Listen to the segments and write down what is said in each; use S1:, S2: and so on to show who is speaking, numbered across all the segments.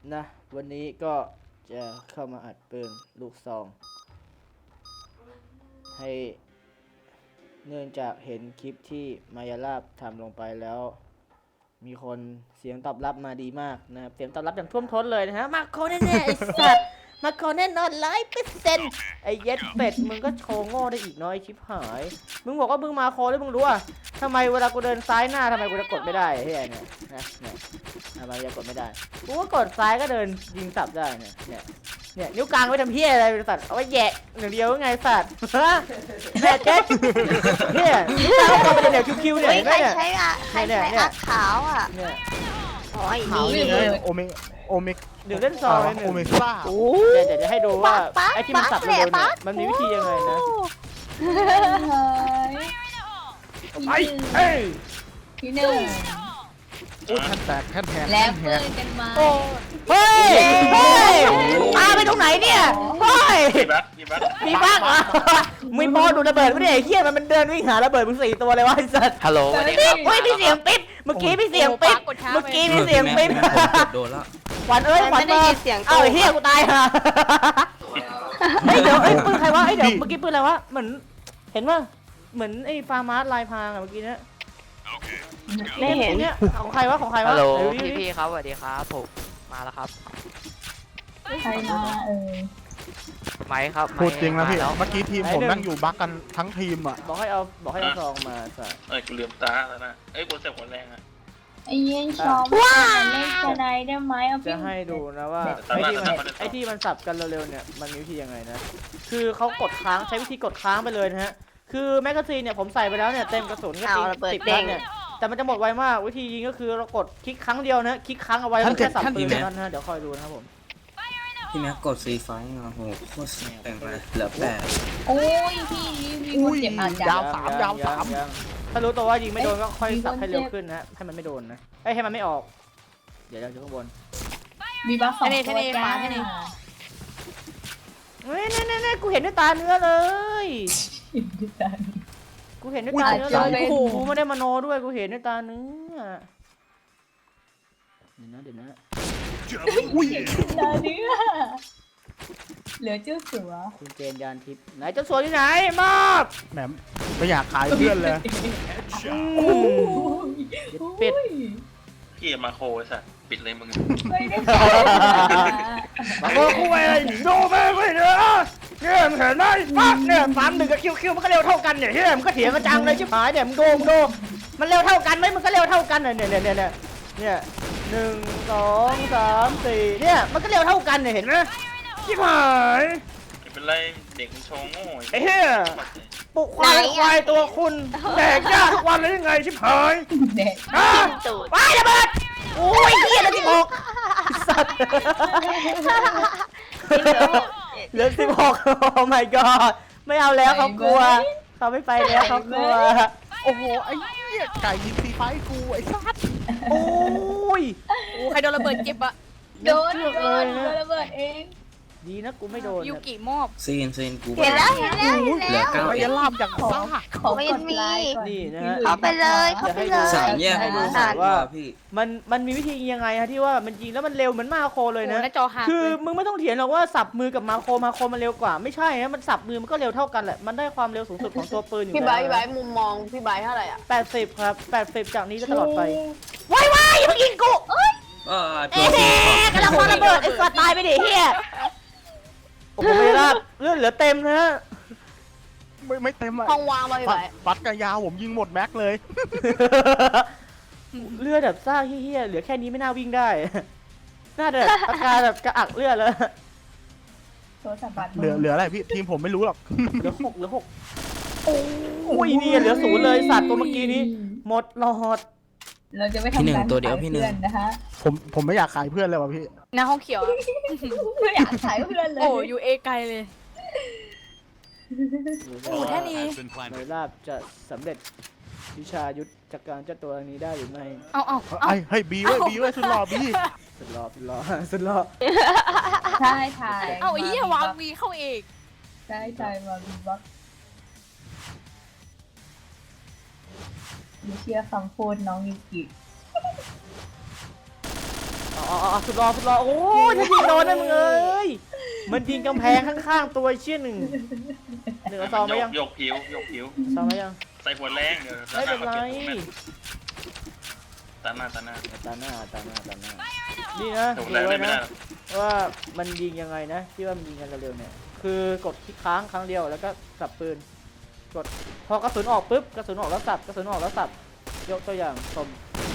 S1: นะวันนี้ก็จะเข้ามาอัดปืนลูกซองให้เนื่องจากเห็นคลิปที่มายาลาบทำลงไปแล้ว มีคนเสียงตอบรับมาดีมากนะครับเสียงตอบรับอย่างท่วมท้นเลยนะฮะมาโคแน่ๆไอ้สัตว์มาโคแน่นอน100%ไอ้เย็ดเป็ดมึงก็โชว์โง่ได้อีกน้อยชิบหายมึงบอกว่ามึงมาโคแล้วมึงรู้อ่ะทำไมเวลากูเดินซ้ายหน้าทำไมกูจะกดไม่ได้เฮ้ยเนี่ยนะเนี่ยทำไมจะกดไม่ได้กูก็กดซ้ายก็เดินยิงสับได้เนี่ยนิ้วกลางไว้ทำเพี้ยอะไรเป็นสัตว์เอาไว้แยะหนึ่งเดียวไงสัตว์แม่เจ๊เนี่ยนิ้วกลางเอาไปเดี๋ยวคิวๆเนี่ย
S2: ใคร
S1: เนี่ย
S2: ใช้อะใครใช้อักขาวอ่ะ
S1: เนี่ย
S2: โอ้ย
S3: นี่
S2: นี่
S3: เลยโอเมก
S1: เดี๋ยวเล่นซองเลยหนึ่
S3: โอง เมก้า
S1: เดี๋ยวจะให้ดูว่าไอ้ที่มันสับเร็วๆเนี่ยมันมีวิธียังไงนะไปเฮ้ย
S4: ที่หนึ่ง
S3: โอ้ยแท่นแตกแท่นแทน
S4: แล้ว
S3: แท
S4: ปื
S3: น
S4: นกันมา
S1: เฮ้ยตาไปตรงไหนเนี่ยเฮ้ย
S5: มีบัก
S1: มีบ้างเหรอมีบอลดูระเบิดไม่ได้ไอ้เหี้ยมันเดินวิ่งหาระเบิดมึง4 ตัวเลยวะไอ้สัตว์
S5: ฮัลโหลสวัสดีครับ
S1: เฮ้ยพี่เสียงปิ๊บเมื่อกี้พี่เสียงปิ๊บเมื่อกี้พี่เสียงปิ๊บ
S5: โดนแล้ว
S1: ขวัญเอ้ยขวัญ
S2: ไม่ได้ยินเสียง
S1: เอ้าไอ้เหี้ยกูตายห่าเฮ้ยเดี๋ยวปืนใครวะเดี๋ยวเมื่อกี้ปืนอะไรวะเหมือนเห็นว่าเหมือนไอ้ฟาร์มาร์ลายพรางอะเมื่อกี้เนี่ย
S2: ไม่เห็น
S1: เนี่ยของใครวะของใครวะ
S5: ฮัลโหล
S1: เดี๋ยว
S5: พี่ครับสวัสดีครับผมมาแล้วครับ
S4: ใครมา
S5: ไมค์ครับ
S3: พูดจริงนะพี่
S5: มาแล้ว
S3: เมื่อกี้ทีมผมนั่งอยู่บักกันทั้งทีมอ่ะ
S1: บอกให้เอาซองมาใส่
S6: เอ้ยกูลืมตาแล้วนะเอ้ยกูเสียบหัวแรงอ่ะ
S4: ไอ้เย็นชอบเล่นสไนได้ไหมเอา
S1: จะให้ดูนะว่าไอ้ที่มันสับกันเร็วๆเนี่ยมันมีวิธียังไงนะคือเขากดค้างใช้วิธีกดค้างไปเลยนะฮะคือแมกกาซีนเนี่ยผมใส่ไปแล้วเนี่ยเต็มกระสุนก็
S2: เอาระเบิด
S1: 10
S2: เด้
S1: นัด
S2: ง
S1: เนี่ยแต่มันจะหมดไวมากวิธียิงก็คือเรากดคลิกครั้งเดียวนะคลิกครั้งเอาไว้แล้วแค่สับปืนเท่านั้นนะเดี๋ยวคอยดูนะครับผม
S7: พี่แม็กกดซีไฟโอ้โหโคตรแต่งมาเหลือ8
S4: โอ้ยพี่มีคนเจ็บอาจจะ
S3: ยาวสามยาวสาม
S1: ยังถ้ารู้ตัวว่ายิงไม่โดนก็ค่อย
S4: มีคน
S1: สับให้เร็ว
S4: เจ็บ
S1: ขึ้นนะให้มันไม่โดนนะให้มันไม่ออกเดี๋ยวเราจะข้างบน
S4: มีบัฟ2 ตัวจ้า
S1: เฮ้ยนี่กูเห็นด้วยตาเนื้อเลย กูเห็นด้วยตาเนื้อเลยโอ้โหกูไม่ได้มโนด้วยกูเห็นด้วยตาเนื้อเดี๋ยวนะ
S3: อุ้ย
S4: ตาเนื้อเหลือเจ้าสัว
S1: คุณเจนยานทิพย์ไหนเจ้าสัวที่ไหนมอบ
S3: แหมไม่อยากขายเพื่อนเลย
S1: ปิด
S6: พี่มาโคไอ้สัสปิดเลยมึง
S4: ไม่ได้
S1: มาโอ้กูอะไรโดแม่งเลยเนี่ยเนี่ยมึงเห็นไหมปั๊บเนี่ย31กับคิวมันก็เร็วเท่ากันเนี่ยเฮ้ยมันก็เถียงกันจังเลยชิบหายเนี่ยมึงดูมันเร็วเท่ากันไหมมันก็เร็วเท่ากันเนี่ย1 2 3 4เนี่ยมันก็เร็วเท่ากันเนี่ยเห็นไหมชิบหาย
S6: ไม่เป็นไรเด็กมันโชว์โง่
S1: ไอ้เหี้ยปลุกควายตัวคุณแดกยาทุกวันเลยยังไงชิบหาย
S4: เด็ก
S1: ฮะไประเบิดโอ้ยเหี้ยแล้ว16สัตว์เหลือ16โอ้ my god ไม่เอาแล้วเขากลัวเขาไม่ไปแล้วเขากลัว
S3: โอ้โหไอ้เหี้ยไก่ยิงซีไฟกูไอ้สัส
S1: โอ้ย
S8: ใครโดนระเบิดเจ็บอะ
S4: โดนระเบิดเอง
S1: ดีนะกูไม่โดน
S8: ยูกิมอบ
S7: ซีนกู
S2: เห็นแล้ว
S7: เหลือ9
S3: ไอ้ยาลาบอย่างซ่า
S4: ขอกดไลค์ก่อน
S1: นี่นะฮะ
S2: เข้าไปเลยเข้าไปเลย
S7: 3แยกให้ดูว่าพี่
S1: มันมีวิธียังไงฮะที่ว่ามันยิงแล้วมันเร็วเหมือนมาโคเลย
S8: โอ้
S1: นะ
S8: หน้าจอหัก
S1: คือ
S8: เลย
S1: มึงไม่ต้องเถียงหรอกว่าสับมือกับมาโคมันเร็วกว่าไม่ใช่นะมันสับมือมันก็เร็วเท่ากันแหละมันได้ความเร็วสูงสุดของตัวปืนอยู่
S2: พี่
S1: แล้ว
S2: ไบร์ทมุมมองพี่ไบร์ทเท่าไหร่อ่ะ
S1: 80ครับ80จากนี้ก็ตลอดไปว้ายอย่าเพิ่งยิงกูเอ้ย
S7: ตัว
S1: เอ๊
S7: ซี
S1: ะกำลังวางระเบิดไอ้สัตว์ตายไปดิเฮียโอ้โหไม่รับเลือดเหลือเต็มนะ
S3: ไม่เต็มอ่ะ
S2: ห้องวางมาพี่ไบร์ท
S3: ฟัดกระยาวผมยิงหมดแม็กเลย
S1: เลือดแบบซ่าเฮี้ยๆเหลือแค่นี้ไม่น่าวิ่งได้ น่าจะแบบอาการแบบกระอักเลือดแล้ว
S4: โทรศัพท์บัตร
S3: เหลืออะไรพี่ทีมผมไม่รู้หรอก
S1: เหลือหกโอ้ยนี่เหลือ0เลยสัตว์ตัวเมื่อกี้นี้หมดหลอด
S4: เราจะไม่ทำการขายเพื่อนนะคะ
S3: ผมไม่อยากขายเพื่อนเลยว่ะพี่
S8: หน้าห้องเขียวอะ
S4: ไม่อยากขายเพื่อนเลย
S8: โอ้ยูเอไกลเลย โอ้แค่นี้
S1: ในลาบจะสำเร็จวิชายุทธจักการเจ้าตัวนี้ได้หรือไม่
S8: เอา
S3: เฮ้ยบีไว้สุดหล่อบี
S1: สุดหล่อ
S4: ใช่ถ่าย
S8: เอาไอ้เหี้ยวางวีเข้าเอก
S4: ใช่ถ่ายมาบีบ็อกไม่เชื่อคำพูดน้องยูกิ
S1: สุดรอโอ้ยถ้ายิงโดนนะมึงเอ้ยมันยิงกำแพงข้างๆตัวเชี่ยหนึ่งเอาซองไหมยัง
S6: ยกผิว
S1: ซองไหมยัง
S6: ใส่หัวแรงเดี๋ยว
S1: ไม่เป็นไร
S6: ตาหน้า
S1: ตาหน้านี่นะ
S6: ถูก
S1: ดู
S6: แล้ว
S1: ไว้
S6: ไม่
S1: นะ
S6: ได้
S1: ว่ามันยิงยังไงนะที่ว่ามันยิงกันเร็วๆเนี่ยคือกดคลิกค้างครั้งเดียวแล้วก็สับปืนกดพอกระสุนออกปุ๊บกระสุนออกแล้วสับกระสุนออกแล้วสับยกตัวอย่างชม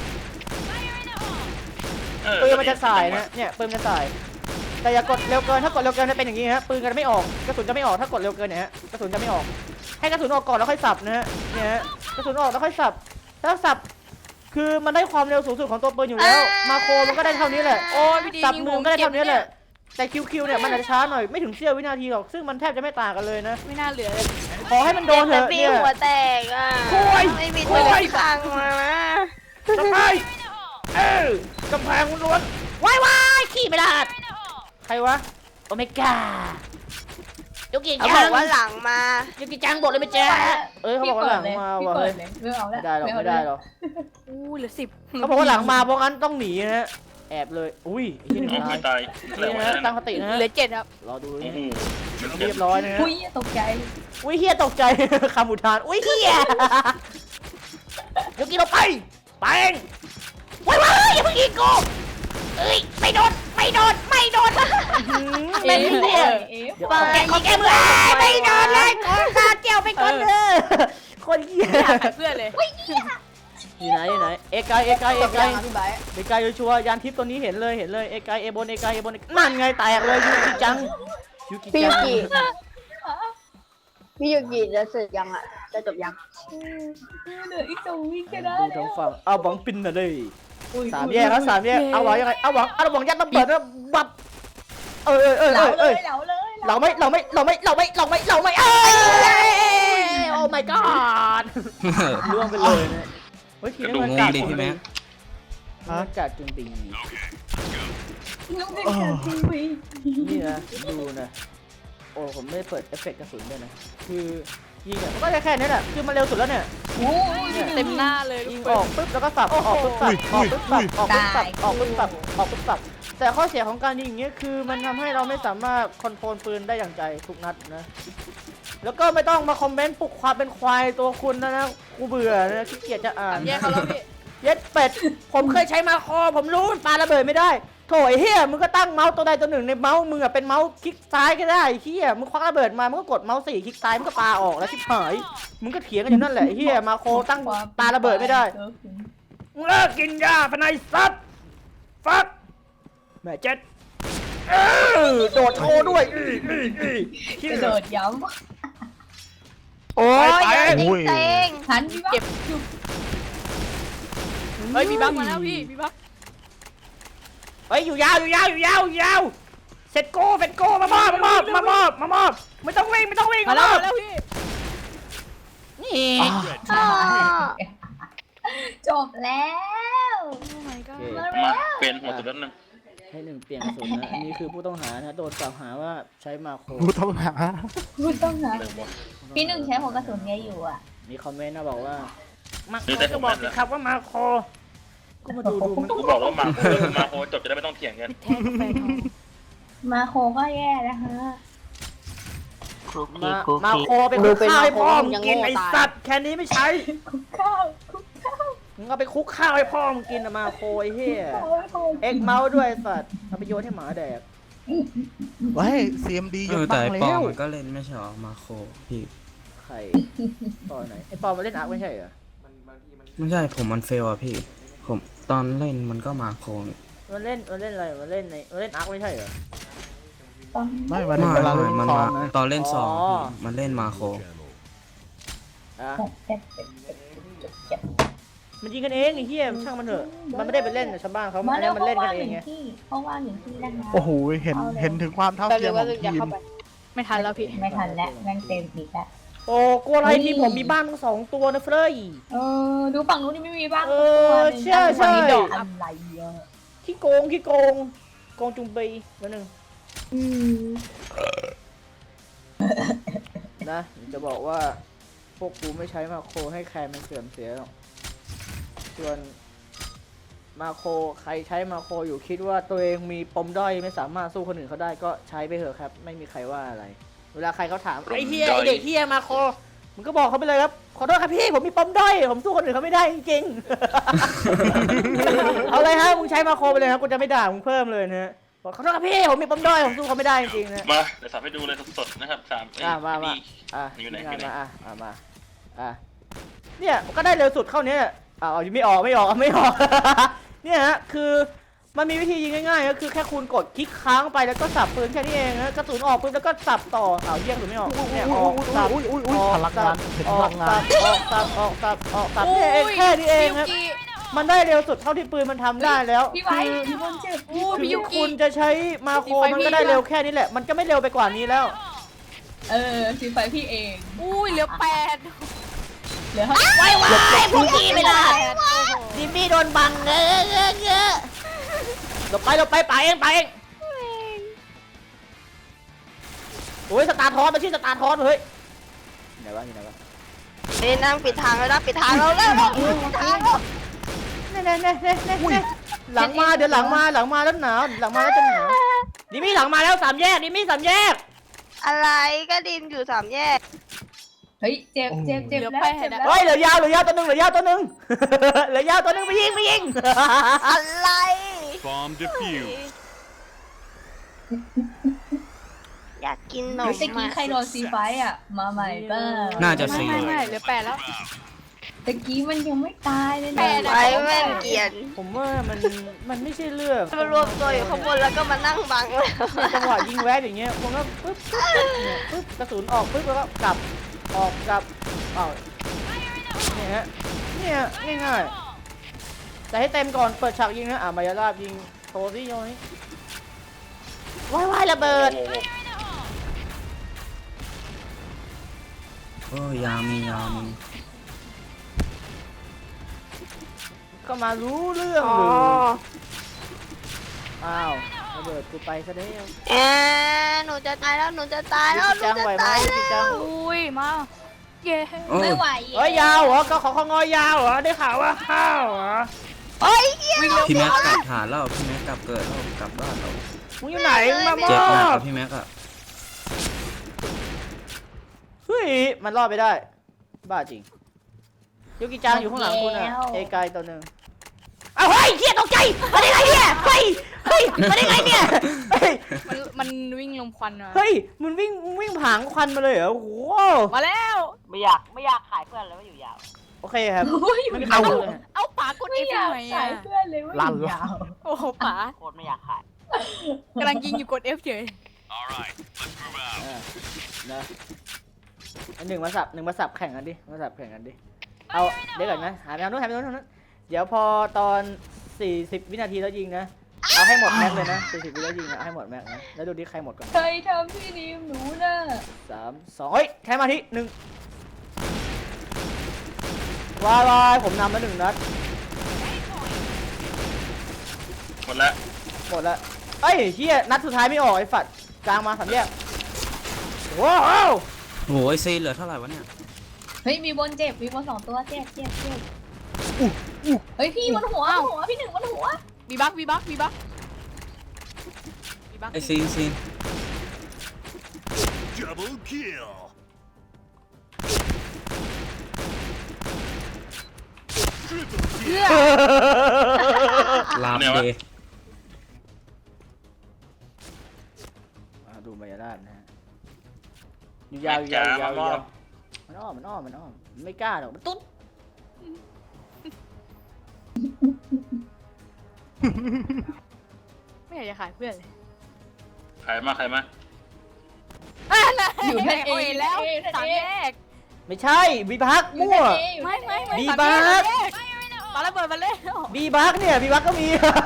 S1: ปืนมันจะสายนะเนี่ยปืนมันจะสายแต่อย่ากดเร็วเกินถ้ากดเร็วเกินจะเป็นอย่างนี้ฮะปืนจะไม่ออกกระสุนจะไม่ออกถ้ากดเร็วเกินเนี่ยฮะกระสุนจะไม่ออกให้กระสุนออกก่อนแล้วค่อยสับนะฮะเนี่ยฮะกระสุนออกแล้วค่อยสับถ้าสับคือมันได้ความเร็วสูงสุดของตัวปืนอยู่แล้วมาโครมันก็ได้เท่านี้แหละ
S8: โอ้ยพี่ดี
S1: สับ
S8: ยิง
S1: มื
S8: ผ
S1: อ
S8: ม
S1: ก็ได้
S8: เก็บ
S1: เท่านี้แหละแต่คิวเนี่ยมันอาจจะช้าหน่อยไม่ถึงเสี้ยววินาทีหรอกซึ่งมันแทบจะไม่ต่างกันเลยนะ
S8: ไม่น่าเหลือเลย
S1: ขอให้มันโดนเถอะ
S2: ปี
S1: เนี่ย
S2: หัวแตกอ่ะ
S1: โอ้ย
S2: ไม่มีตัวเลือกฟังมานะ
S1: กำแพงกำแพงล้วนว้ายขี่ไม่ได้ใครวะโอเมก้ายุกิ
S2: เขา
S1: จั
S2: บอง กว่าหลังมา
S1: ยุกิจังบอกเลยไม่แจ้เขาบอกว่าหลังมา
S4: พี่
S1: ว่ะ
S4: เปิ
S1: เฮ้ย
S4: ดเลยไม่เอา
S1: ไม่
S4: ละ
S1: ได้หรอกไม่ได้หรอก
S8: อู้เหลือ10
S1: เขาบอกว่าหลังมาเพราะงั้นต้องหนีนะฮะแอบเลยอุ้ยที่หนึ่ง
S6: ไม่
S1: ตาย
S6: ตาย
S1: นี่นะฮะตั้งสตินะฮะ
S8: เหลือ7ครับ
S1: รอดู
S6: โอ้
S1: นะ
S6: โห
S1: เรียบร้อยนะฮะ
S4: อุ้ยตกใจ
S1: อุ้ยเฮียตกใจ คำอุทานอุ้ยเฮียยุกิเราไปเองว้ายอย่าเพิ่งยิงกูเอ้ยไม่โดนไม่โดนไม่โดนเป็นเฮีย เดี๋ยวขอแก้มือไม่โดนเลยขอตาเจียวไปก่อนเถอะคนเหี้ย
S8: ไม่อยากขายเพื่อนเลย
S1: อยู่ไหนเอกาย
S2: จบยังอ่ะพี่ไบร์ท
S1: เอกายชัวร์ยานทิพย์ตัวนี้เห็นเลยเอกายเอบนนั่นไงแตกเลยยูกิจัง
S2: พี่ยูกิพี่ยูกิจะเสร็จยังอ่ะจะจบยัง
S4: เหลืออีก2 วิแค่นั้น
S1: ดูทางฝั่งเอาหวังปินน่ะเลย
S4: อุ้ย
S1: สามแยกเอาหวังยังไงเอาหวังยัดระเบิดแล้วบับเอ้ย
S4: เหลาเลย
S1: เราไม่โอ้ my god ล่วงไปเลยนะเฮ้ยทีนี้มันกัด
S7: ดิพี่แม็ก
S1: มันกัดจนตี
S4: น้องเด็กจะทีวี
S1: นี่นะดูนะโอ้ผมไม่ได้เปิดเอฟเฟกต์กระสุนด้วยนะคือยิงอ่ะก็แค่นี้แหละคือมันเร็วสุดแล้วเนี่ย
S4: โอ้ย
S8: เต็มหน้าเลย
S1: ยิงออกปุ๊บแล้วก็สับออกปุ๊บสับออกปุ๊บสับออกปุ๊บสับออกปุ๊บสับออกปุ๊บสับแต่ข้อเสียของการยิงอย่างเงี้ยคือมันทำให้เราไม่สามารถคอนโทรลปืนได้อย่างใจทุกนัดนะแล้วก็ไม่ต้องมาคอมเมนต์ปลุกความเป็นควายตัวคุณนะกูเบื่อนะขี้เกียจจะอ่าน
S8: แยกเขาแล้วพี่
S1: เย็ดเป็ดผมเคยใช้มาคอผมรู้มันปาระเบิดไม่ได้โถไอ้เฮียมึงก็ตั้งเมาส์ตัวใดตัวหนึ่งในเมาส์มึงอะเป็นเมาส์คลิกซ้ายก็ได้เฮียมึงควักระเบิดมามึงก็กดเมาส์4คลิกซ้ายมึงก็ปาออกแล้วชิบหายมึงก็เถียงกันอยู่นั่นแหละไอ้เฮียมาโคตั้งปาระเบิดไม่ได้มึงเลิกกินยาพนัยซัดฟักแม่เจ็ดโดดโชว์ด้วย
S4: กระโดดย้
S2: โอ้ยเยอะจริง
S4: ำหันพี่ว่า
S8: เก็บ เฮ้ยมีบั๊กมาแล้วพี่มีบั๊ก
S1: เฮ้ยอยู่ยาวเสร็จโก้มามอบไม่ต้องวิ่ง
S8: มาแล้วพี่
S1: นี่
S4: จบแล้ว
S8: โอ้ my god
S6: มาเป็นหัวสุดแล้วนึง
S1: ให้หนึ่งเปลี่ยนกระสุนนะอันนี้คือผู้ต้องหานะโดนกล่าวหาว่าใช้มาโคร
S3: กูต้องหา
S4: พูดต้องนะ
S6: เริ่มหมด
S4: พี่หนึ่งใช้หัวกระสุนไงอยู่อ่ะ
S1: มีคอมเมนต์นะบอกว่ามาโค
S6: นี่แต่
S1: ก็บอกสิ
S6: ผม
S1: ครับว่ามาโคก็มาดูมัน
S6: กูบอกแล้วมาโคจบจะได้ไม่ต้องเถียงกัน
S8: แท้กาแฟทอง
S4: มาโคก็แย่นะคะ
S1: มาโคไปคุกข้าวให้พ่อมึงกินไอ้สัตว์แค่นี้ไม่ใช้
S4: คุกข้าว
S1: มึงเอาไปคุกข้าวให้พ่อมึงกินนะมาโคไอ้เหี้ยเอ็กเมาส์ด้วยไอ้สัตว์เอาไปโยนให้หมาแดก
S3: ไว้ CMD ยก
S7: แต่
S3: ตั้ง
S7: ไอ้ปอ
S3: แล้ว
S7: มันก็เล่นไม่ใช่หรอมาโคพี่
S1: ใครตอนไหนไอ้ปอมาเล่นอาร์คไม่ใช่เหรอ
S7: ไม่ใช่ผมมันเฟลอะพี่ ผมตอนเล่นมันก็มาโคนี่
S1: มันเล่นอะไรมันเล่นอาร์คไม่ใช่เหรอ
S3: ไม่วัน
S7: ไม่
S3: เวลา
S7: ไม่
S3: เล่น
S7: มัน
S3: ซอ
S7: มาง
S3: นะ
S7: ตอนเล่นซอง
S1: อ๋อ
S7: พี่มันเล่นมาโค
S1: อ่ะมันยิงกันเองไอ้เหี้ยช่างมันเถอะมันไม่ได้ไปเล่นกับชาวบ้านเขา
S4: มา
S1: อัน
S4: แล้
S1: นี้
S4: ว
S1: มันเล่นกันเองไง
S4: เขาว่างหนึ่งที่นะคะ
S3: โอ้โหเห็นถึงความเท่า
S2: แป๊บ
S3: เที
S2: นึ
S3: ยม
S2: ง
S3: ข
S2: ว่า
S3: อง
S2: จะ
S3: ทีม
S2: เข้าไป
S8: ไม่ทันแล้วพี่
S4: ไม่ทันแล้วแม่งเต็มอีกแล้ว
S1: โอ้กลัวอะไรที่ผมมีบ้านทั้ง2 ตัวนะเฟรย
S4: ดูฝั่งนู้นนี่ไม่มีบ้าง
S1: เออใช่ใช่
S4: ฝั่งนี้ดอกอะไรเยอะ
S1: ขี้โกงโกงจุงปีมาหนึ่งนะจะบอกว่าพวกกูไม่ใช้มาโครให้ใครมันเสื่อมเสียหรอกส่วนมาโครใครใช้มาโครอยู่คิดว่าตัวเองมีปมด้อยไม่สามารถสู้คนอื่นเขาได้ก็ใช้ไปเถอะครับ ไม่มีใครว่าอะไร เวลาใครเขาถามไอ้เฮียไอเด็กเฮียมาโครมึงก็บอกเขาไปเลยครับขอโทษครับพี่ผมมีปมด้อยผมสู้คนอื่นเขาไม่ได้จริงๆ เอาเลยฮะมึงใช้มาโครไปเลยครับกูจะไม่ด่ามึงเพิ่มเลยนะฮะบอกขอโทษครับพี่ผมมีปมด้อยผมสู้เขาไม่ได้จริงๆนะ
S6: มาเดี๋ยวสับให้ดูเลยสดๆนะครับ3
S1: มา
S6: นี่
S1: อยู่ไหน
S6: อยู่ไหน
S1: มาเนี่ยก็ได้เร็วสุดเข้าเนี้ยไม่ออก เนี่ยฮะคือมันมีวิธียิงง่ายๆก็คือแค่คุณกดคลิกค้างไปแล้วก็สับปืนแค่นี้เองนะกระสุนออกปุ๊บแล้วก็สับต่อเยี่ยงหรือไม่ออกเนี่ยออกสับ
S3: พลังงานเห็นพลังงาน
S1: ออกสับเนี่ยเองแค่นี้เองครับมันได้เร็วสุดเท่าที่ปืนมันทำได้แล้ว
S4: พี่ไว้พี่บนเจ็บ
S8: พี่ยุกิ
S1: คุณจะใช้มาโครมันก็ได้เร็วแค่นี้แหละมันก็ไม่เร็วไปกว่านี้แล้ว
S4: สีไฟพี่เอง
S8: อุ้ยเหลือ8
S4: เหลือ
S1: ไว้พวกนี้ไม่ได้ดิมี่โดนบังเงอะหลบไปไปเองโอ้ยสตาร์ทอสมันชื่อสตาร์ทอสเฮ้ยไหนวะอยู่ไหนวะ
S2: นี่นั่งปิดทางแล้วนะปิดทางเราแล้วปิดทางแล้ว
S1: เนี่ยหลังมาเดี๋ยวหลังมาแล้วหนาวหลังมาแล้วจะหนาวดิมี่หลังมาแล้ว3 แยกดิมี่3 แยก
S2: อะไรก็ดินอยู่3 แยก
S4: เฮ้ยเจ็บแล้วเจ็บแล้ว
S1: เฮ้ยเหลือยาวตัวหนึ่งเหลือยาวตัวหนึ่งไปยิง
S2: อะไร
S9: Bomb defused.
S2: อยากกินหนม
S4: ตะกี้ใครโดนสีไฟมาใหม่บ้าง
S7: น่าจะ
S8: ไม่
S7: ซี
S8: เหลือ8แล้ว
S4: ตะกี้มันยังไม่ตายเลย
S8: แป
S4: นะ
S8: ดอะ
S2: ไว้แม่นเกียน
S1: ผมว่ามันไม่ใช่เรื่อง
S2: มารวมตัวอยู่ข้างบนแล้วก็มานั่งบังเลย
S1: จังหวะยิงแวะอย่างเงี้ยผมก็ปึ๊บกระสุนออกปึ๊บแล้วก็กลับออกกลับเนี่ยฮะเนี่ยง่ายๆแต่ให้เต็มก่อนเปิดฉากยิงนะมายาลาบยิงโทซี่โยนี่ว้ายระเบิด
S7: โอ้ยามี
S1: ก็มารู้เรื่องหรืออ้าวระเบิดกูไปซะแล้ว
S2: หนูจะตายแล้วหนูจะตายแล้วหนู
S1: จัง
S2: จะ
S1: ไหวไหม
S2: ตาย
S1: พี่
S2: แล้
S1: จั
S2: ว
S1: ง
S8: อุ้ยมาเย้
S7: โอ้
S4: ไม่ไหว
S1: เฮ้ยยาวเหรอก็ขอของอยาวเหรอได้ข่าวว่าข้าวเหรอ
S2: โอ้ยเหี้ย
S7: พี่แม็กกลับฐานแล้วพี่แม็กกลับเกิดแล้วกลับบ้านแล้ว
S1: มึงอยู่ไหนมามอ
S7: เจ็บหนัก
S1: บ
S7: กับพี่แม็กอะ
S1: เฮ้ยมันรอดไปได้บ้าจริงยูกิจังอยู่ข้างหลังคุณอะเอกายตัวหนึ่งเอาเฮ้ยเฮียตกใจมาได้ไงเนี่ยเฮ้ยมาได้ไงเนี่ยเฮ้ย
S8: มันวิ่งลมควันมา
S1: เฮ้ยมันวิ่งผางควันมาเลยเหรอโอ้โห
S8: มาแล้ว
S2: ไม่อยากขายเพื่อนแล้วไม่อยู่ยาว
S1: โอเคครับ
S4: โอ้ย
S1: ไม่มีใครรู้เลยฮะ
S8: เอาป๋ากด
S4: ไม่
S8: F
S4: อยาก
S8: ทำไม
S4: ขา
S8: อ่ะ
S4: ยเพื่อนเลยว่าอยู่ยาว
S8: โอ้โหป๋า
S2: โคตรไม่อยากขาย
S8: กำลังยิงอยู่กด F เฉย
S9: All right, let's move out.
S1: นะหนึ่งมาสับแข่งกันดิมาสับแข่งกันดิเอาเดี๋ยวก่อนนะหาไปทางนู้นเดี๋ยวพอตอน40 วินาทีแล้วยิงนะเอาให้หมดแม็กเลยนะ40 วิแล้วยิงนะเอาให้หมดแม็กนะแล้วดูดิใครหมดก่อน
S4: เคยทำพี่นิมหนูน่ะ
S1: 3 2เฮ้ยแค่มาที่1วายผมนำมา1 นัด
S6: หมดแล้ว
S1: หมดแล้วเอ้ยเฮียนัดสุดท้ายไม่ออกไอ้ฝัดกลางมา3 แยกว้าว
S7: โอ้ยซีเหลือเท่าไหร่วะเนี่ย
S4: เฮ้ยมีบนเจ็บมีบน2 ตัวเจ็บเฮ้ยพี่บนหัวพี่หนึ่งบนหัว
S8: บีบัก
S7: ไอซีน
S9: Double kill.
S7: ลาบเดย์
S1: ดูมายาลาบนะฮะยาวมันอ้อมไม่กล้าหรอกมันตุ๊ด
S8: ไม่อยากจะขายเพื่อนเลย
S6: ใครมา
S4: อยู่ท่านเอ
S8: เแล้ว3 แยก
S1: ไม่ใช่บีบักมั่ว
S8: ไม่
S1: บี
S8: 3
S1: บั
S8: แย
S1: ก
S8: ปาระเบิดมาเลย
S1: บีบักเนี่ยบีบักก็มี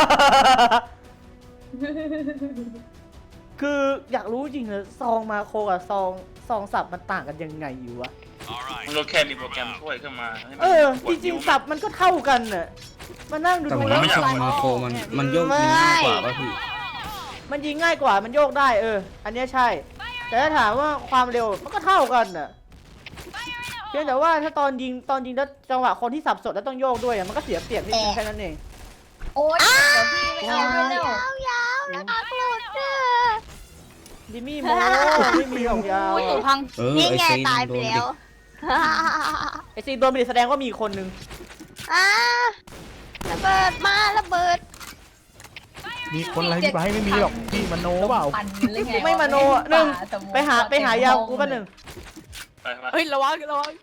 S1: คืออยากรู้จริงเลยซองมาโคกับซองสับมันต่างกันยังไงอยู่วะ
S9: All right.
S6: มันก็แค่มีโปรแกรมช่วยขึ้นมาให้มัน
S1: จริงๆสับมันก็เท่ากันน่ะมานั่งดู
S7: แต่ผม
S1: แล้ว
S7: ว่าซองมาโคมันโยกยิงง่ายกว่าป่ะพี่
S1: มันยิงง่ายกว่ามันโยกได้อันเนี้ยใช่ แต่ถ้าถามว่าความเร็วมันก็เท่ากันน่ะเพียงแต่ว่าถ้าตอนยิงแล้วจังหวะคนที่สับสดแล้วต้องโยกด้วยมันก็เสียเปรียบนิดนึงแค่นั้นเอง
S4: โอ๊ยเดี๋ยวพี่ไม่เอาด้วยแล้ว
S2: ยาวๆนะคะกดเด้อ
S1: ดิมี่โมไม่มีของยาว
S8: โอ้ยตัวพัง
S2: นี่
S7: ไอ้
S2: ไง
S7: ซีน
S2: ตายไป
S7: โดน
S2: แล้ว
S1: ไอซีโดนไปดิแสดงว่ามีคนนึง
S2: อ่าระเบิดมาระเบิด
S3: มีคนอะไรพี่ไบร์ทไม่มีหรอกพี่มโนเปล่า
S4: ปั่นหรือไง
S1: ไม่มาโนอ่ะหนึ่งไปหายาวกูป่ะหนึ่ง
S6: ไปมา
S8: เฮ้ยระวังระวัง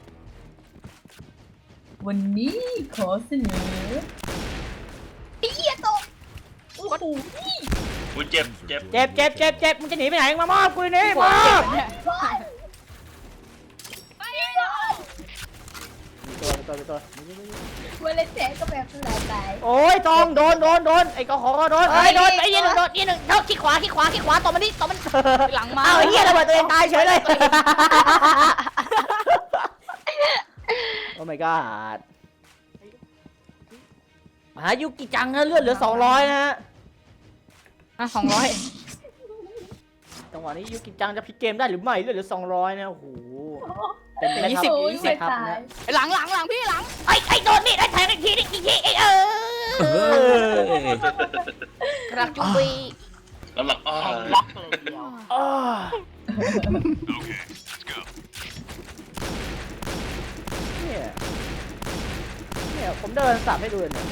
S4: วันนี้ขอเสนอเอี้ยตกโอ้โห
S6: อุ้ยเจ็บ
S1: เจ็บมึงจะหนีไปไหนมามอบกูนี่มอบ
S8: เนี่ย
S1: ตัว
S4: เวลาแจ๊ก็แบบสลายตาย
S1: โอ้ยตองโดนไอ้กอขอโดนไอ้โดนไอ้ยี่หนึ่งโดนยี่หนึ่งเท่าขี้ขวาตบมันตบมัน
S8: หลังมา
S1: อ้าวไอ้เหี้ยระเบิดตัวเองตายเฉยเลยโอ้ my god หายุกิจังนะเลือดเหลือ200นะฮะ
S8: 200
S1: จังหวะนี้ยุกิจังจะพลิกเกมได้หรือไม่เลือดเหลือ200นะโอ้โหเป็นแม่ทัพ
S4: โอ้ย
S1: แม่ทัพ
S4: ตาย
S1: นะ
S8: หลังพี่หลัง
S1: ไอ้โดนนี่ไอ้แทงอีกทีไอ้
S7: เฮ้ย
S8: กระจุย
S6: แล้วหลังอ้อ
S1: อ้อ
S9: Okay, let's go.
S1: เนี่ยผมเดินสับให้ดูเนี่ย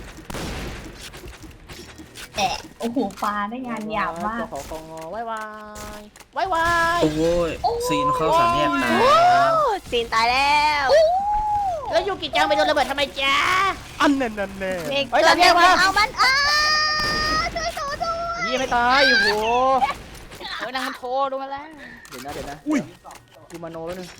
S4: แอะโอ้โหปลาได้งานหยาบมาก
S1: ขอกงอไว้
S7: โอ้ยซีนเข้าสามแยกตาย
S2: ซีนตายแล้ว
S1: แล้วยูกิจังไปโดนระเบิดทำไมจ๊ะ
S3: อันแน่นแน่
S2: เมก
S1: เฮ้ย
S2: ตัว
S1: ตามแย
S2: เดีย
S1: ก
S2: ว
S1: มา
S2: เอามันช่วยโถด้วย
S1: ยี่ไม่ตายโอ้โห
S8: นางมันโทรดูมาแล้ว
S1: เดี๋ยวนะกูมาโนแล้วนึง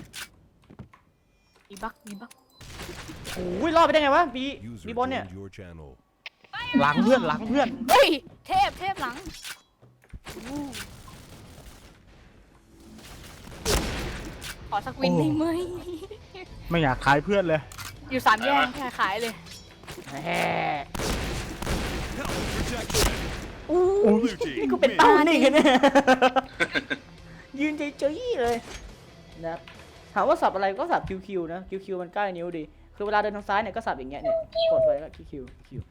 S8: มีบัก
S1: โอ้ยรอดไปได้ไงวะบีบอลเนี่ย
S9: your channel.
S3: หลังเพื่อน
S8: เฮ้ยเทพหลังขอสักวินได้ไหม
S3: ไม่อยากขายเพื่อนเลย
S8: อยู่3 แยกแค่ขายเลย
S1: แหม
S9: Protection.
S1: อู้
S9: Blue team
S1: นี่กูเป็น
S9: win.
S1: เต้านี่กันเนี่ยยืนเฉยๆเลยนะครับถามว่าสับอะไรก็สับคิวนะคิวมันใกล้นิ้วดีคือเวลาเดินทางซ้ายเนี่ยก็สับอย่างเงี้ยเนี่ยกดไว้ก็คิว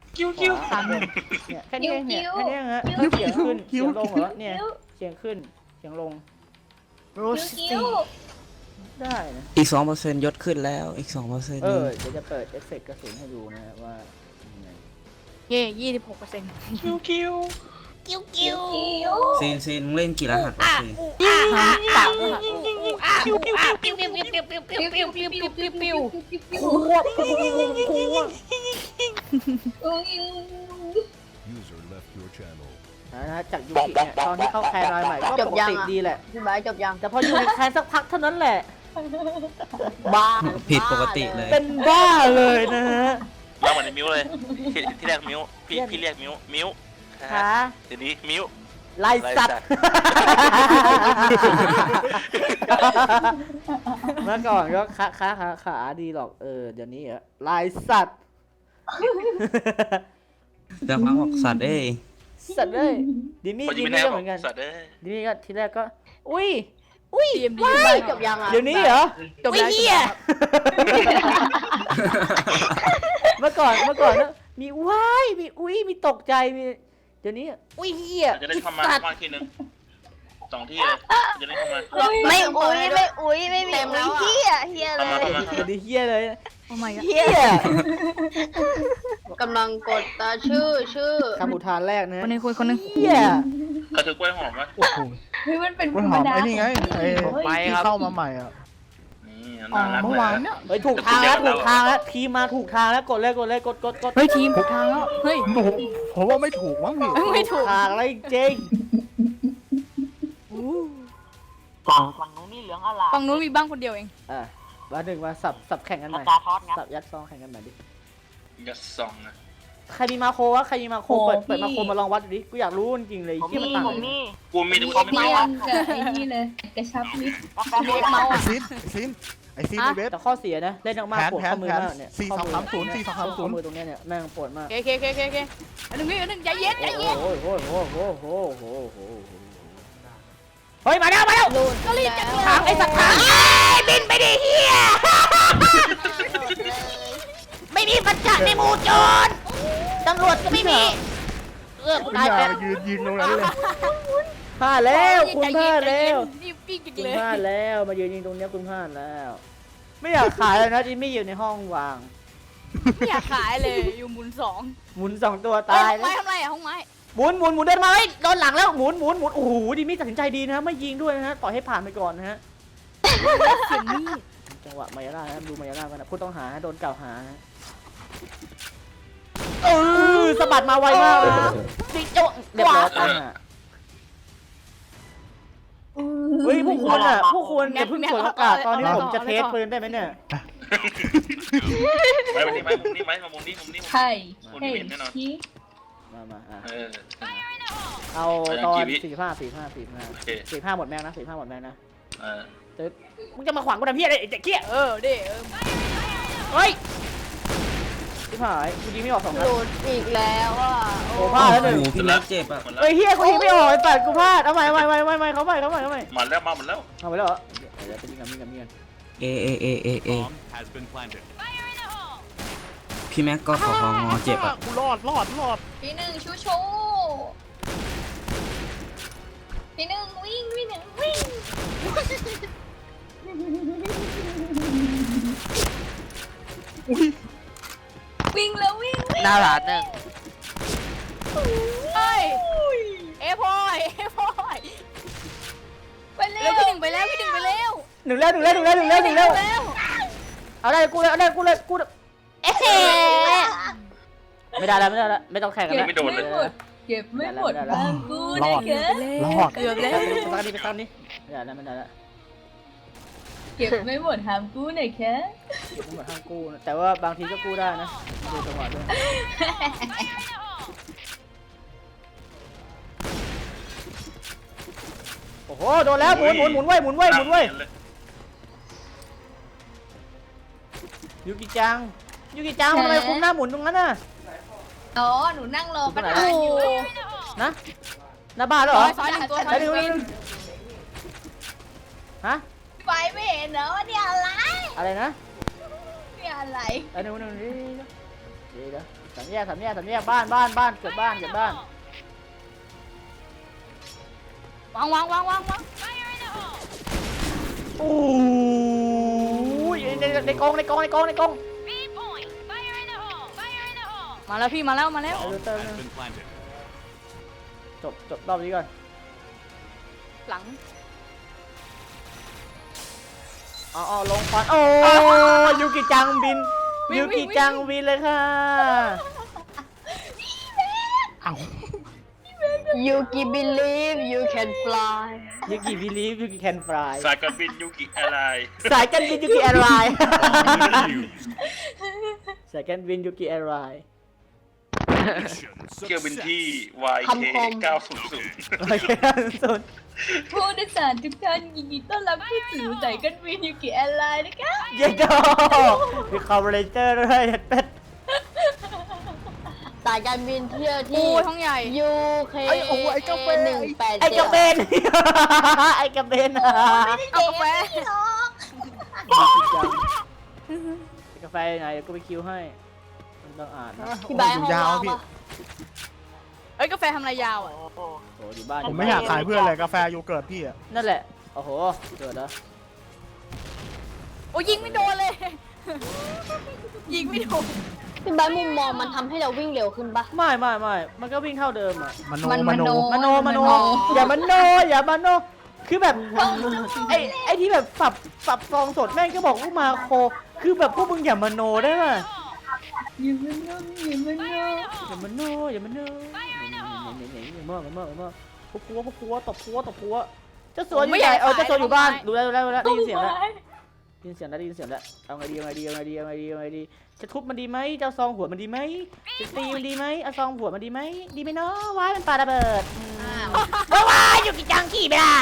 S1: เนี่ยแค่นี้เองเนี่ยแค่นี้เองฮะเสียงขึ้นเสียงลงเหรอเนี่ยเสียงขึ้นเสียงลง
S4: คิ้ว
S1: ได้นะ
S7: อีก 2%ยศขึ้นแล้วอีก 2%
S1: เดี๋ยวจะเปิดเอฟเฟกต์กระสุนให้ดูนะว่ายังไง
S8: เย่26%
S2: กิ้ว
S7: ซีนมึงเล่นกี่รหัสวะซีน
S8: ปากเลยค่ะปิ้ว
S9: User left your channel.
S1: นะฮะจากยูกิเนี่ยตอนที่เข้าแคนรายใหม่ก็ปกติดีแหละ
S2: พี่บายจบยัง
S1: แต่พออยู่ในแคนสักพักเท่านั้นแหละ
S2: บ้า
S7: ผิดปกติเลย
S1: เป็นบ้าเลยนะฮะ
S6: เล่ามาในมิ้วเลยที่แรกมิ้วพี่เรียกมิ้ว
S1: ค่ะ
S6: เดี๋ยวนี้มิ้ว
S1: ลายสัตว์ เมื่อก่อนก็ขาดีหรอกเดี๋ยวนี้อะลายสัตว์
S7: จะพังบอกสัตว์เอ้ย
S1: สัตว์เลยดิมี่
S6: พอยิงไม่
S1: ก็
S6: แน่
S1: เหมือนกัน
S6: สัตว์เด้
S1: ดิมี่ก็ทีแรกก็อุ้ย
S8: TMD
S2: จบยังอ่ะ
S1: เดี๋ยวนี้เหรอ
S8: จบแล้ว
S1: เฮียเมื่อก่อนนะมีว้ายมีอุ้ยมีตกใจมีเดี๋ยวนี้อุ้ยเฮีย
S6: จะได้เข้ามา
S1: สัตว์
S6: บ้านทีนึง2 ที่เลยจะได้เข้ามา
S2: ไม่อุ้ยไม่มีอุ้ยเฮียเลย
S6: เข้ามา
S1: เดี๋ยวนี้เฮียเลย
S8: โอ้ my god
S1: เฮีย
S2: กำลังกดตาชื่อ
S1: คำอุทานแรกนะ
S8: คนนึงคุยคนนึง
S1: เฮีย
S6: กระถือกล้วยหอมไหม
S3: โอ้โห
S4: เฮ้ยมันเป็น
S3: กล้วยหอมไอ้นี่ไงไอ้
S5: ไป
S3: ที่
S5: ครับ
S3: เข้ามาใหม่อ่ะ
S6: นี่
S3: อ๋อ
S6: น่ารัก
S3: เมื่อ
S6: เล
S3: วาน
S6: ย
S3: เนี่ย
S1: เฮ้ยถูกทางแล้วทีมมาถูกทางแล้วกดเลยกด
S8: เฮ้ยทีมถูกทางแล้วเฮ้ย
S3: ผมว่าไม่ถูกมั้งพี่
S8: ไม่ถูก
S1: ทางอะไรจริง
S8: ฝั่งนู้นมีบ้างคนเดียวเอง
S1: มาหนึ่งมาสับแข่งกันใหม่สับยัดซองแข่งกันใหม่ดิ
S6: ยัดซองนะ
S1: ใครมีมาโครวะใครมีมาโครเปิดมาโครมาลองวัดดูดิกูอยากรู้จริงๆเลยที่มันต่างกัน
S6: กูมีแต่กู
S4: คอม
S6: ไม่
S4: เพีย
S6: เอา
S4: งกับไอ้นี่เลยกระชับมิตร
S8: เมา
S3: ไอ้
S8: อ่ะ
S3: ซีนในเว็บ
S1: แต่ข้อเสียนะเล่นมากๆปวดข้อมือมากเนี่ย
S3: 4-2-3-0
S1: ข้อมือตรงเนี้ยเนี่ยแม่งปวดมาก
S8: โอเคอันหนึ่งใจเย็น
S1: โอ้โหเฮ้ยมาแล้ว
S8: ก็รีบจังเลย
S1: ถามไอ้สัตว์ถามบินไปดิเฮียไม่มีปัญญาในหมู่โจรตำรวจก็ไม่มีกู
S3: อ
S1: ตาย
S3: ย่า
S1: แล้ว
S3: มายืนยิงตรงนั้นเลย
S1: พลาดแล้วคุณพลาดแล้ว
S8: รีบวิ่งจัง
S1: คุณ
S8: เลย
S1: พลาดแล้วมายืนยิงตรงเนี้ยคุณพลาดแล้ว ไม่อยากขายเลยนะจิมมี่อยู่ในห้องวาง
S8: ไม่อยากขายเลยอยู่หมุนสอง
S1: หมุน2 ตัว
S8: เอ้
S1: ตาย
S8: ห้องไม้ทำไรอะห้องไม้
S1: หมุนเดินมาเฮ้ยโดนหลังแล้วหมุนโอ้โหจิมมี่ตัดสินใจดีนะไม่ยิงด้วยนะฮะปล่อยให้ผ่านไปก่อนนะฮะ
S8: เสียงมีด
S1: จังหวะมายาล่านะดูมายาล่ากันนะผู้ต้องหาโดนกล่าวหาสะบัดมาไวมากเลยติ๊กโจ๊ะเรียบร้อยเฮ้ยพวกคุณอ่ะพวกคุณอย่าเพิ่งกดประกาศตอนนี้ผมจะเทสปืนได้ไหมเนี่ย
S6: ไว้วันนี้ไหมมุมนี้ไหมมามุมนี้มุมนี้
S4: ใช่
S6: มุม
S4: เฮ้
S6: นี้
S4: ย
S6: เห็นแน่นอน
S4: ชี้
S1: มาอ่ะ
S6: เออ
S1: เอาตอน
S6: กี่วิ
S1: 45หมดแม็กนะ45หมดแม็กนะ
S6: เออ
S1: มึงจะมาขวางกูทำเพี้ยอะไรไอ้เจ๊เกี้ย
S8: ดิ
S1: เฮ้ยที่ผ่านกูยิงไม่ออก2 นัด
S2: หลุดอีกแล้วอ่ะ
S1: โอ้พลาดแล้วหนึ่ง
S7: โอ้โหพี่แม็กเจ็บอ่ะ
S6: หมดแล้ว
S1: เฮ้ยเฮียกูยิงไม่ออกไอ้ปัดกูพลาดเอาใหม่เขาใหม่
S6: มาแล้วมาหมดแล้ว
S1: เอาไปแล้วเหรอเดี๋ยวไปยิงกัน
S7: เอ
S9: Bomb has been planted.
S7: พี่แม็กก็ขอเจ็บอ่ะ
S3: กูรอด
S4: พี่หนึ่งชูพี่หนึ่งวิ่งพี่หนึ่งวิ่งวิ่งแล้ววิ่ง
S5: หน้าร้านหนึ่ง
S8: เฮ้ยเอพอย
S4: ไปเร็
S8: เร็ว
S4: ว
S8: พี่หนึ่งไปแล้วพี่หนึ่งไปแล้ว
S1: หนึ่งแล้วเอาได้กูเลยเอ๊ะไม่ได้แล้วไม่ต้องแข่งกันแล้ว
S6: ไม่โดนเลย
S4: เก็บไม่หมดทางกูนะแก
S3: รอด
S8: เกือบแล้ว
S1: ไปตอนนี้ไม่ได้แล้ว
S4: เก็บไม่หมดทางกูนะแก
S1: เก็บทั้งหมดห้ามกู้นะแต่ว่าบางทีก็กู้ได้นะดูจังหวะด้วยโอ้โหโดนแล้วหมุนเว้ยยูกิจังทำไมคุ้มหน้าหมุนตรงนั้นน่ะ
S4: อ๋อหนูนั่งรอประธานอยู่
S1: นะหน้าบ้านแล้วเหรอ
S8: ซ้ายหนึ่งตัว
S1: ไปดูฮะ
S4: ไฟไม่เห็นเหรอว่าเนี่ยอะไร
S1: อะไรนะ
S4: เนี่ยอะไร
S1: เดี๋ยวสามแยกบ้านเกิดบ้าน
S8: วาง
S1: โอ้ยในกอง
S8: มาแล้วพี่มาแล้ว
S9: Bomb has been planted.
S1: จบรอบนี้ก่อน
S8: หลัง
S1: อ๋อลงควันโอ้ยูกิจังบินเลยค่ะ
S3: เอ้า
S2: ยูกิ believe you can fly
S1: ยูกิบิลีฟยูกิแคนฟราย
S6: สายการบินยูกิอะไร
S1: สายการบินยูกิแอร์ไลน์
S9: Defused.
S1: สายการบินยูกิแอร์ไลน์
S9: Mission
S6: เที่ยวบิน
S9: success.
S6: ที่
S2: คำคม
S6: YK 900
S1: โอเคสุด
S4: ผู้โดยสารทุกท่านยินดีต้อนรับเข้าสู่สายการบินยูกิแอร์ไลน์นะคะ
S1: เย้โดมีคอมเบรเจอร์ด้วยเป็ด
S2: สายการบินเที่ยว
S8: โอ้
S2: ที่
S8: ท้องใหญ่
S2: UK
S3: ไอ้โอ้ไอ้กาแฟ
S1: ไอ้กระเบน ไอ้กระเบน
S8: เอากาแฟ
S1: กาแฟยังไงก็ไปคิวให้มันต้องอ่านนะ
S2: พี่ใบห้อง
S3: ยาว
S2: ว่าง
S3: พี่
S2: ปะ
S8: เอ้ยกาแฟทำอะไรยาวอ่ะ
S1: โอ้อยู่บ้าน
S3: ผมไม่อยากขายเพื่อนเลยกาแฟโยเกิร์ตพี่อ่ะ
S1: นั่นแหละโอ้โหเกิดแล้ว
S8: โอ้ยิงไม่โดนเลย ยิงไม่โดน
S2: พี่ใบมุมมองมันทำให้เราวิ่งเร็วขึ้นปะ
S1: ไม่มันก็วิ่งเท่าเดิมอ่ะ
S3: มโน
S4: มัน
S1: มโนอย่ามันโนคือแบบไอ้ที่แบบปรับซองสดแม่งก็บอกลูกมาโคคือแบบพวกมึงอย่ามโนได้ป่ะ
S4: อย่ามันโน
S1: อย่ามโนพวกครัวตบครัวเจ้าสัวอยู่ไหนเจ้าสัวอยู่บ้านดูแล้วได้ยินเสียงแล้วเอาไงดีจะทุบมันดีไหมจะซองหัวมันดีไหมจะตีมันดีไหมเอาซองหัวมันดีไหมดีไหมเนาะว้ายมันปาระเบิดว้ายอยู่กี่จังขี่ไปละ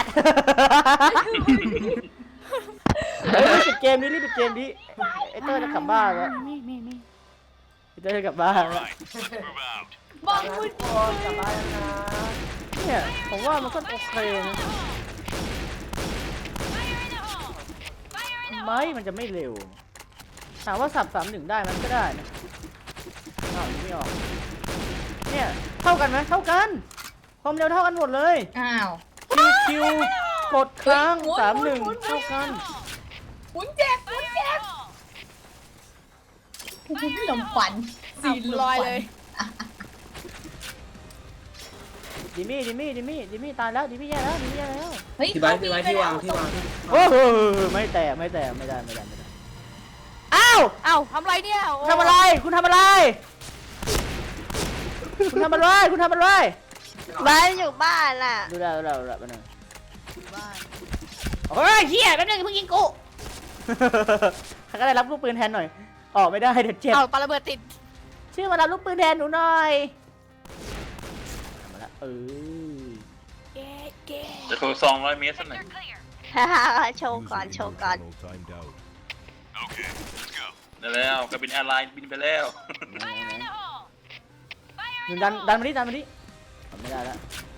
S1: รีบปิดเกมนี้ไอ้เต้ยจะกลับบ้านแล้วไอ้เต้ยจะกลับบ้านแล้ว
S9: Right, let's move out.
S4: บ้องพูด
S1: กลับบ้านแล้วนะเนี่ยผมว่ามันก็โอเคนะไม่มันจะไม่เร็วถามว่าสับ3-1ได้มันก็ได้นะอ้าวไม่ออกเนี่ยเท่ากันไหมเท่ากันความเร็วเท่ากันหมดเลย
S4: อ้าว
S1: คิวกดค้าง3-1เท่ากัน
S4: หมุนเจ็บลมควัน
S8: สีลอยเลย
S1: ดิมี่ตายแล้วดิมี่แย่แล้ว
S4: เฮ้ย
S7: พี่ไบร์ทที่วางที่
S1: โอ้โหไม่แตกไม่ได้อ้าว
S8: เอ้าทำไรเนี่ยโอ้
S1: ทำอะไรคุณทำอะไร
S2: บ้านอยู่บ้านน่ะ
S1: ดูได้ไปหนึ่งเฮ้ยเฮียแป๊บนึงเพิ่งยิงกู ใครก็ได้รับลูกปืนแทนหน่อยออกไม่ได้เดี๋ยวเจ็บ
S8: เอาปาระเบิดติด
S1: ชื่อมารับลูกปืนแทนหนูหน่อยมาละ
S8: เก๊เก๊
S6: จะโทร200 เมตรสักหน่อย
S2: โชว์ก่อน
S9: Okay, let's go.
S6: ได้แล้วกระบินแอร์ไลน์บินไปแล้ว
S1: หนูดันมาดิทำไม่ได้แล้ว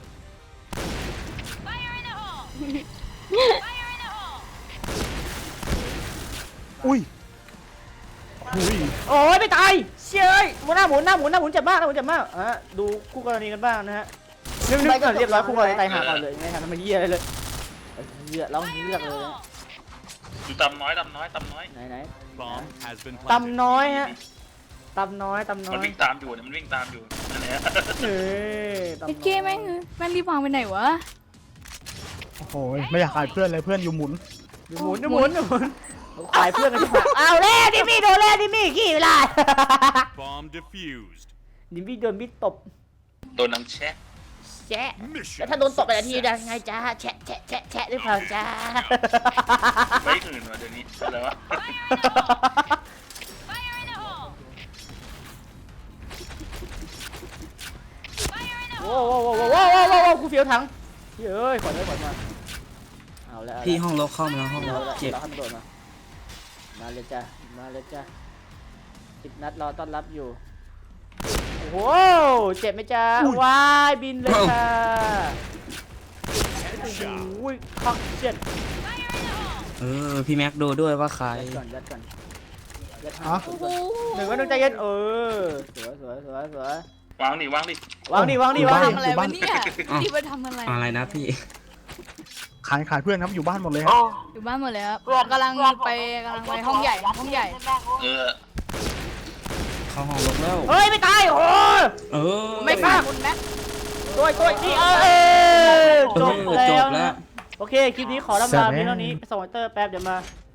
S3: อุ้ย
S1: โอ้ยไม่ตายเชยหน้าหมุนเจ็บมากดูคู่กรณีกันบ้างนะฮะนึกก่อนเรียบร้อยคู่กรณีตายหาก่อนเลยไม่ทันทำไมเยี่ยอะไรเลยเลือกร้องเลือกเลย
S6: ดูตำน้อย
S1: ไหน
S9: Bomb has been
S1: ตำ
S9: planted.
S1: น้อยฮะตำน้อย
S6: มันวิ่งตามอยู่นั่นแหละ
S1: เฮ้ย
S8: ไอ้เก๊แม่งรีบวางไปไหนวะ
S3: โอ้โหไม่อยากขายเพื่อนเลยเพื่อนอยู่หมุน
S1: หมุนขายเพื่อนกันที่ผ่านเอาแล้วดิมี่โดนแล้วดิมี่ขี้ไม่ได้
S9: Bomb defused.
S1: ดิมี่โดนมิดตบ
S6: ตัวน้ำแช่
S1: แชะ
S9: Mission
S1: แล้วถ้าโดนตบไปทีได้ไงจ้าแชะหรือเปล่าจ้า
S6: ไม่อื่นวะเดี๋ยวนี้อะไรวะ
S1: โว้กูเฟี้ยวถังเฮ้ยขอมาเอาแล้ว
S7: พี่ห้องลบเข้ามาแล้วห้องลบเจ็บ
S1: เราขั้นโดดมาเลยจ้า10 นัดรอต้อนรับอยู่โอ้โหเจ็บไหมจ้าวายบินเลยค่ะโอ้โหคักเจ็ด
S7: พี่แม็กดูด้วยว่าใคร
S1: ยัดก่อน
S3: ฮะ
S8: โอ้โห
S1: หนึ่งก็ต้องใจเย็นสวยว
S6: างดิ
S1: วางดิ
S8: ทำอะไรวะเนี่ยนี่มาทำอะไร
S7: อะไรนะพี่
S3: ขายเพื่อนครับอยู่บ้านหมดเลยครับ
S8: อยู่บ้านหมดเลยครับกำลังไปห้องใหญ่
S6: เออ
S7: เข้าห้องลบแล้ว
S1: เฮ้ยไม่ตายโอ้
S8: ไม่ฆ่าคุณแม็ก
S1: ตัวนี่จบแล้วโอเคคลิปนี้ขอลำลาเพียงเท่านี้ส่งไอเตอร์แป๊บเดี๋ยวมา